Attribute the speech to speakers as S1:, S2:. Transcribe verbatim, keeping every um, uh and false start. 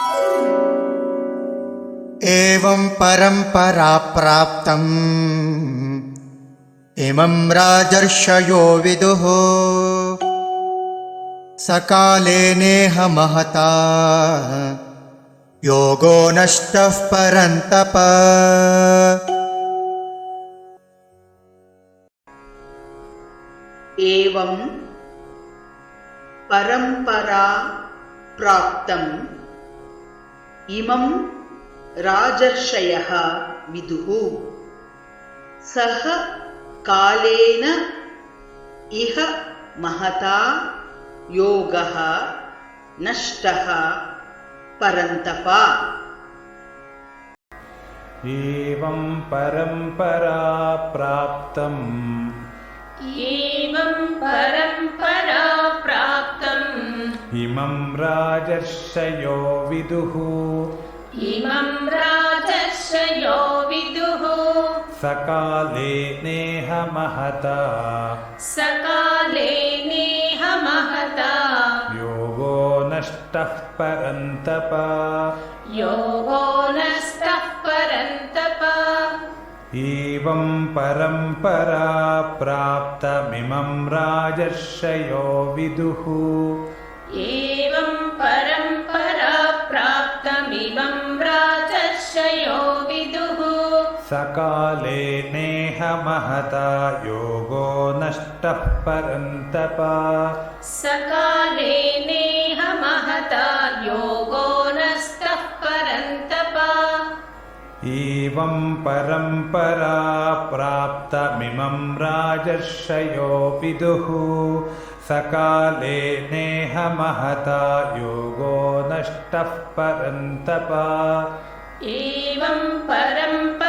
S1: एवं परंपरा प्राप्तम् इमं राजर्षयो विदुः सकाले नेह महता योगो नष्टः परन्तप।
S2: एवं परंपरा प्राप्तम् इमं राजर्षयः विदुः सः कालेन इह महता योगः नष्टः परन्तप।
S3: एवं परंपरा प्राप्तम्
S4: एवं परंपरा प्राप्तम्
S3: इमं राजर्षयो विदुः
S4: इमं राजर्षयो विदुः
S3: सकाले नेह महता
S4: सकाले नेह महता
S3: योगो नष्टः परन्तप।
S4: योगो नष्टः परन्तप।
S3: एवं परंपरा प्राप्तमिमं राजर्षयो विदुः
S4: एवं परंपरा प्राप्तमिमं राजर्षयो विदुः
S3: सकाले नेह महता योगो नष्टः परन्तप।
S4: सकाले नेह महता योगो नष्टः परन्तप।
S3: एवं परंपरा प्राप्तमिमं राजर्षयो विदुः सकाले नेह महता योगो नष्टः परन्तप।
S4: एवं परंपरा